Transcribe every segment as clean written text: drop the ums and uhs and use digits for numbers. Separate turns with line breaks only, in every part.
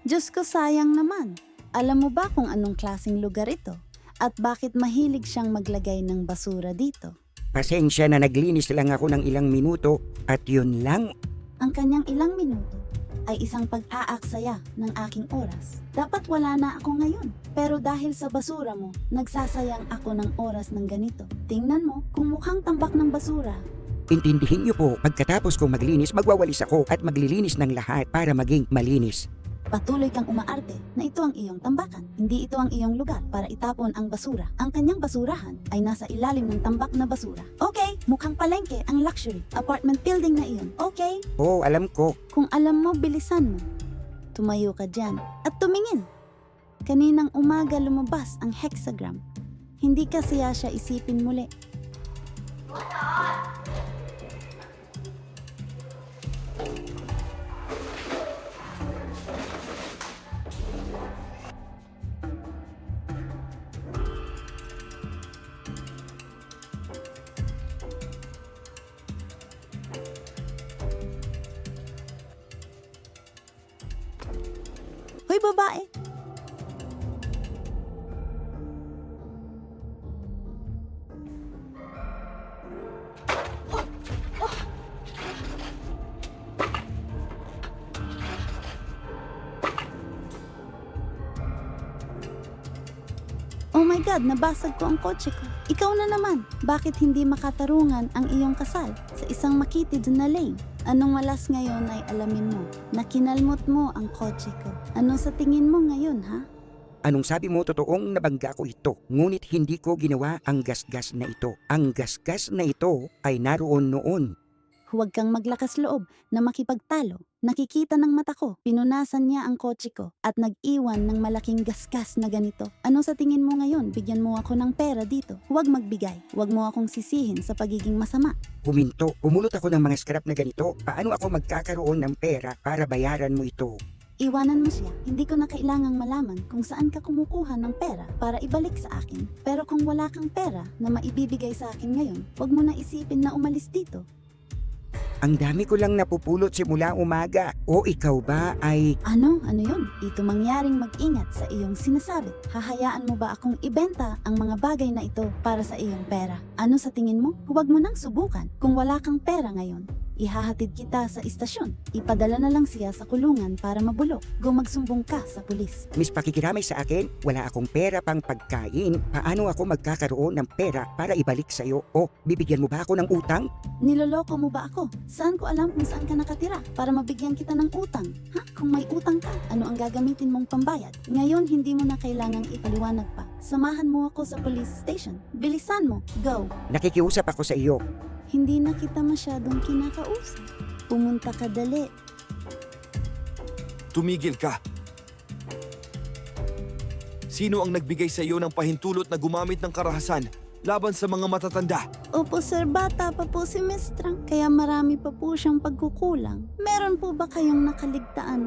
Diyos ko, sayang naman. Alam mo ba kung anong klaseng lugar ito? At bakit mahilig siyang maglagay ng basura dito?
Pasensya na naglinis lang ako ng ilang minuto at yun lang.
Ang kanyang ilang minuto ay isang pag-aaksaya ng aking oras. Dapat wala na ako ngayon. Pero dahil sa basura mo, nagsasayang ako ng oras ng ganito. Tingnan mo, kung mukhang tambak ng basura.
Intindihin niyo po, pagkatapos kong maglinis, magwawalis ako at maglilinis ng lahat para maging malinis.
Patuloy kang umaarte na ito ang iyong tambakan. Hindi ito ang iyong lugar para itapon ang basura. Ang kanyang basurahan ay nasa ilalim ng tambak na basura. Okay, mukhang palengke ang luxury apartment building na iyon. Okay,
Oo, alam ko.
kung alam mo, bilisan mo. Tumayo ka dyan at tumingin. Kaninang umaga lumabas ang hexagram. Hindi kasi siya isipin muli. Hoy babae! Oh my God, nabasag ko ang kotse ko. Ikaw na naman. Bakit hindi makatarungan ang iyong kasal sa isang makitid na lane? Anong malas ngayon ay alamin mo na kinalmot mo ang kotse ko? Ano sa tingin mo ngayon, ha?
Anong sabi mo, totoong nabangga ko ito. Ngunit hindi ko ginawa ang gasgas na ito. Ang gasgas na ito ay naroon noon.
Huwag kang maglakas loob na makipagtalo. Nakikita ng mata ko, pinunasan niya ang kotse ko at nag-iwan ng malaking gasgas na ganito. Ano sa tingin mo ngayon? Bigyan mo ako ng pera dito. Huwag magbigay. Huwag mo akong sisihin sa pagiging masama.
Huminto, pumulot ako ng mga scrap na ganito. Paano ako magkakaroon ng pera para bayaran mo ito?
Iwanan mo siya. Hindi ko na kailangang malaman kung saan ka kumukuha ng pera para ibalik sa akin. Pero kung wala kang pera na maibibigay sa akin ngayon, huwag mo na isipin na umalis dito.
Ang dami ko lang napupulot simula umaga. O ikaw ba ay...
Ano? Ano yun? Ito mangyaring mag-ingat sa iyong sinasabi. Hahayaan mo ba akong ibenta ang mga bagay na ito para sa iyong pera? Ano sa tingin mo? Huwag mo nang subukan. Kung wala kang pera ngayon, ihahatid kita sa istasyon. Ipadala na lang siya sa kulungan para mabulok. Magsumbong ka sa pulis.
Miss, pakikiramay sa akin? Wala akong pera pang pagkain. Paano ako magkakaroon ng pera para ibalik sa'yo? O, bibigyan mo ba ako ng utang?
Niloloko mo ba ako? Saan ko alam kung saan ka nakatira para mabigyan kita ng utang? Ha? Kung may utang ka, ano ang gagamitin mong pambayad? Ngayon, hindi mo na kailangang ipaliwanag pa. Samahan mo ako sa police station. Bilisan mo. Go!
Nakikiusap ako sa iyo.
Hindi na kita masyadong kinakausap. Pumunta ka dali.
Tumigil ka. Sino ang nagbigay sa iyo ng pahintulot na gumamit ng karahasan laban sa mga matatanda?
Opo sir, bata pa po si Miss Trang, kaya marami pa po siyang pagkukulang. Meron po ba kayong nakaligtaan?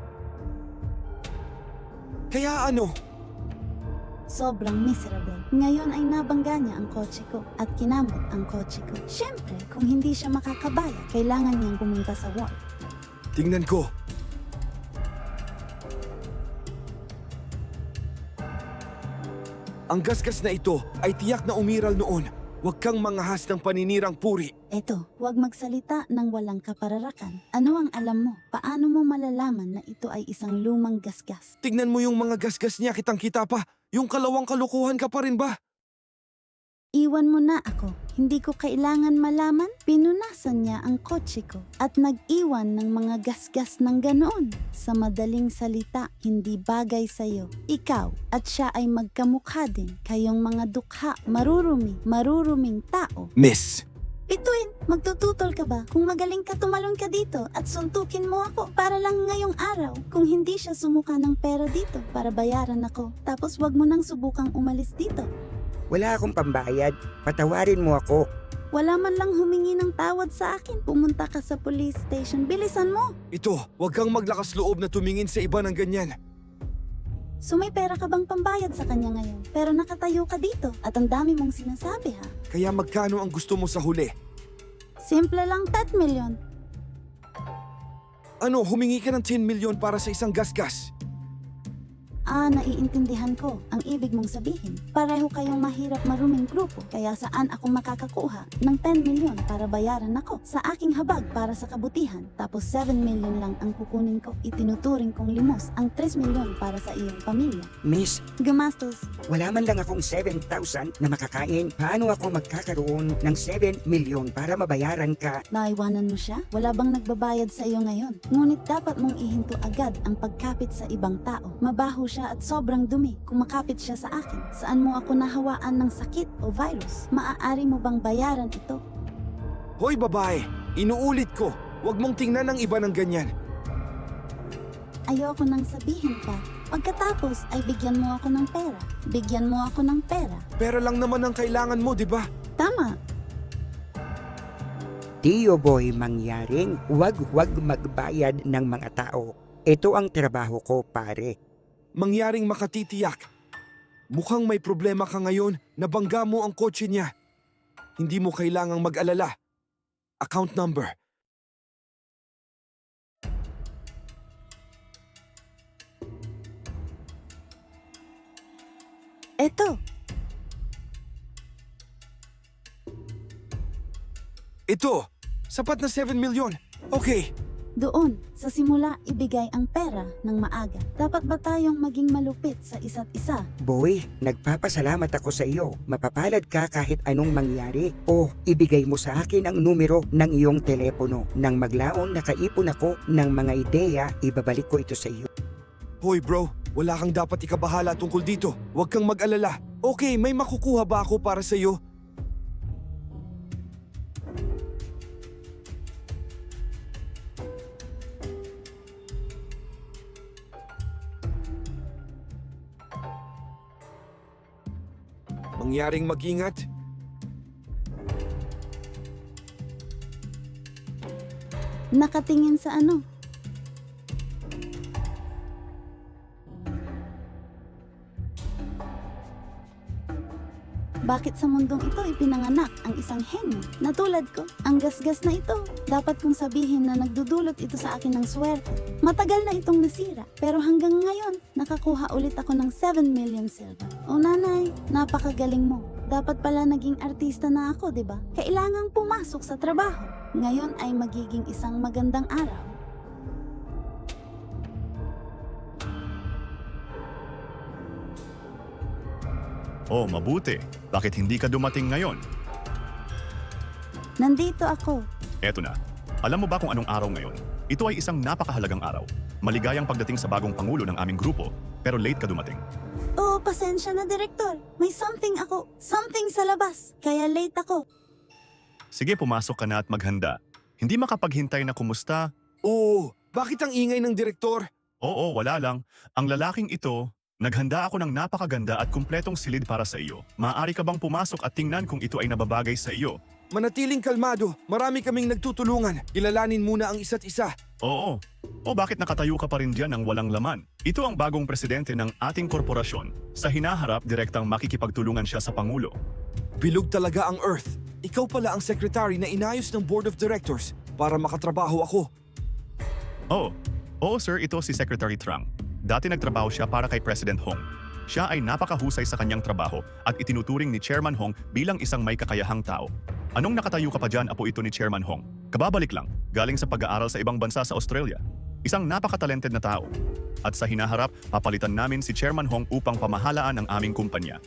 Kaya ano?
Sobrang miserable. Ngayon ay nabangga niya ang kotse ko at kinamot ang kotse ko. Siyempre, kung hindi siya makakabaya, kailangan niyang pumunta sa ward.
Tingnan ko. Ang gasgas na ito ay tiyak na umiral noon. Huwag kang mangahas ng paninirang puri.
Eto, huwag magsalita ng walang kapararakan. Ano ang alam mo? Paano mo malalaman na ito ay isang lumang gasgas?
Tingnan mo yung mga gasgas niya, kitang-kita pa. Yung kalawang kalukuhan ka pa rin ba?
Iwan mo na ako. Hindi ko kailangan malaman. Pinunasan niya ang kotse ko at nag-iwan ng mga gasgas ng ganoon. Sa madaling salita, hindi bagay sa'yo. Ikaw at siya ay magkamukha din. Kayong mga dukha, maruruming tao.
Miss,
Bituin, magtututol ka ba? Kung magaling ka, tumalon ka dito at suntukin mo ako para lang ngayong araw. Kung hindi siya sumuka ng pera dito para bayaran ako. Tapos wag mo nang subukang umalis dito.
Wala akong pambayad. Patawarin mo ako.
Wala man lang humingi ng tawad sa akin. Pumunta ka sa police station. Bilisan mo!
ito, huwag kang maglakas loob na tumingin sa iba ng ganyan.
So may pera ka bang pambayad sa kanya ngayon? Pero nakatayo ka dito at ang dami mong sinasabi ha.
Kaya magkano ang gusto mo sa huli?
Simple lang 10 million.
Ano, humingi ka ng 10 milyon para sa isang gasgas?
Naiintindihan ko ang ibig mong sabihin. Pareho kayong mahirap maruming grupo, kaya saan ako makakakuha ng 10 milyon para bayaran ako sa aking habag para sa kabutihan, tapos 7 milyon lang ang kukunin ko. Itinuturing kong limos ang 3 milyon para sa iyong pamilya.
Miss,
Gumastos.
wala man lang akong 7,000 na makakain. Paano ako magkakaroon ng 7 milyon para mabayaran ka?
Naiwanan mo siya? Wala bang nagbabayad sa iyo ngayon? Ngunit dapat mong ihinto agad ang pagkapit sa ibang tao. Mabaho siya at sobrang dumi. Kumakapit siya sa akin. Saan mo ako nahawaan ng sakit o virus? Maaari mo bang bayaran ito?
Hoy babae, inuulit ko, huwag mong tingnan ang iba ng ganyan.
Ayoko nang sabihin pa. Pagkatapos ay bigyan mo ako ng pera. Bigyan mo ako ng pera.
Pera lang naman ang kailangan mo, di ba?
Tama.
Tio Boy, mangyaring huwag magbayad ng mga tao. Ito ang trabaho ko, pare.
Mangyaring makatitiyak. Mukhang may problema ka ngayon, nabangga mo ang kotse niya. Hindi mo kailangang mag-alala. Account number.
Eto.
Ito, sapat na 7 milyon. Okay,
Doon, sa simula, ibigay ang pera ng maaga. Dapat ba tayong maging malupit sa isa't isa?
Boy, nagpapasalamat ako sa iyo. Mapapalad ka kahit anong mangyari. O, ibigay mo sa akin ang numero ng iyong telepono. Nang maglaon nakaipon ako ng mga ideya, ibabalik ko ito sa iyo.
hoy bro, wala kang dapat ikabahala tungkol dito. Huwag kang mag-alala. Okay, may makukuha ba ako para sa iyo? Mangyaring mag-ingat.
Nakatingin sa ano? Bakit sa mundong ito ipinanganak ang isang henyo na tulad ko? Ang gasgas na ito. Dapat kong sabihin na nagdudulot ito sa akin ng swerte. Matagal na itong nasira, pero hanggang ngayon, nakakuha ulit ako ng 7 million silver. O nanay, napakagaling mo. Dapat pala naging artista na ako, di ba? Kailangang pumasok sa trabaho. Ngayon ay magiging isang magandang araw.
Oh, mabuti. Bakit hindi ka dumating ngayon?
Nandito ako.
Eto na. Alam mo ba kung anong araw ngayon? Ito ay isang napakahalagang araw. Maligayang pagdating sa bagong pangulo ng aming grupo, pero late ka dumating.
Oo, pasensya na, Direktor. May something sa labas. Kaya late ako.
Sige, pumasok ka na at maghanda. Hindi makapaghintay na kumusta?
Oo, bakit ang ingay ng direktor?
Oo, wala lang. Ang lalaking ito, naghanda ako ng napakaganda at kumpletong silid para sa iyo. Maaari ka bang pumasok at tingnan kung ito ay nababagay sa iyo?
Manatiling kalmado, marami kaming nagtutulungan. Kilalanin muna ang isa't isa.
Oo. O bakit nakatayo ka pa rin diyan ng walang laman? Ito ang bagong presidente ng ating korporasyon. Sa hinaharap, direktang makikipagtulungan siya sa Pangulo.
Bilog talaga ang Earth. Ikaw pala ang secretary na inayos ng Board of Directors para makatrabaho ako.
Oo sir, ito si Secretary Trang. Dati nagtrabaho siya para kay President Hong. Siya ay napakahusay sa kanyang trabaho at itinuturing ni Chairman Hong bilang isang may kakayahang tao. Anong nakatayo ka pa dyan, apo ito ni Chairman Hong? Kababalik lang, galing sa pag-aaral sa ibang bansa sa Australia. Isang napakatalented na tao. At sa hinaharap, papalitan namin si Chairman Hong upang pamahalaan ang aming kumpanya.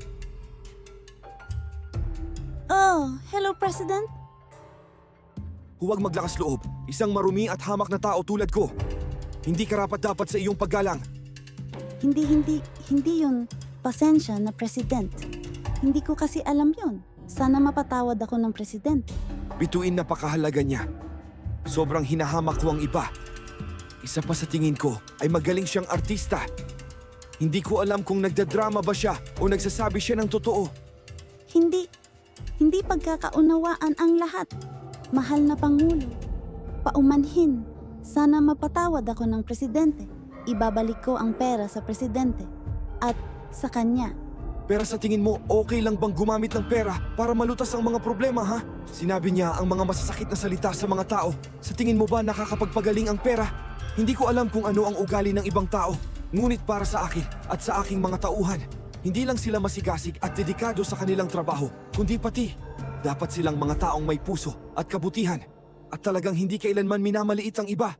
Oh, hello, President.
Huwag maglakas loob. Isang marumi at hamak na tao tulad ko. Hindi karapat-dapat sa iyong paggalang.
Hindi yun. Pasensya na, President. Hindi ko kasi alam yun. Sana mapatawad ako ng Presidente.
Bituin napakahalaga niya. Sobrang hinahamak ko ang iba. Isa pa sa tingin ko ay magaling siyang artista. Hindi ko alam kung nagdadrama ba siya o nagsasabi siya ng totoo.
Hindi pagkakaunawaan ang lahat. Mahal na Pangulo. Paumanhin. Sana mapatawad ako ng Presidente. Ibabalik ko ang pera sa Presidente. At sa kanya.
Pero sa tingin mo, okay lang bang gumamit ng pera para malutas ang mga problema, ha? Sinabi niya ang mga masasakit na salita sa mga tao. Sa tingin mo ba nakakapagpagaling ang pera? Hindi ko alam kung ano ang ugali ng ibang tao. Ngunit para sa akin at sa aking mga tauhan, hindi lang sila masigasig at dedikado sa kanilang trabaho, kundi pati dapat silang mga taong may puso at kabutihan at talagang hindi kailanman minamaliit ang iba.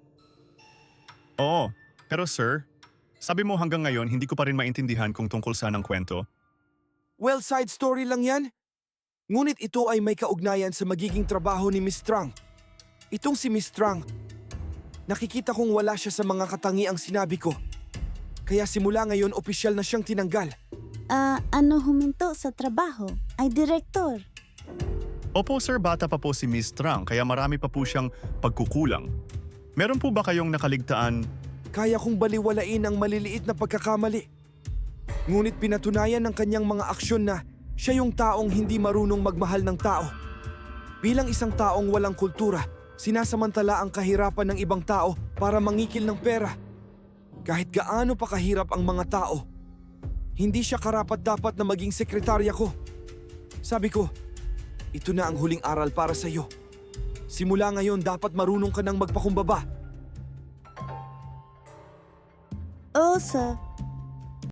Oo, pero sir, sabi mo hanggang ngayon hindi ko pa rin maintindihan kung tungkol saan ang kwento.
Well, side story lang yan. Ngunit ito ay may kaugnayan sa magiging trabaho ni Miss Trang. Itong si Miss Trang, nakikita kong wala siya sa mga katangiang sinabi ko. Kaya simula ngayon opisyal na siyang tinanggal.
Ano huminto sa trabaho? Ay direktor.
Opo sir, bata pa po si Miss Trang kaya marami pa po siyang pagkukulang. Meron po ba kayong nakaligtaan?
Kaya kong baliwalain ang maliliit na pagkakamali. Ngunit pinatunayan ng kanyang mga aksyon na siya yung taong hindi marunong magmahal ng tao. Bilang isang taong walang kultura, sinasamantala ang kahirapan ng ibang tao para mangikil ng pera. Kahit gaano pa kahirap ang mga tao, hindi siya karapat-dapat na maging sekretarya ko. Sabi ko, ito na ang huling aral para sa iyo. Simula ngayon dapat marunong ka nang magpakumbaba.
Oo, sir.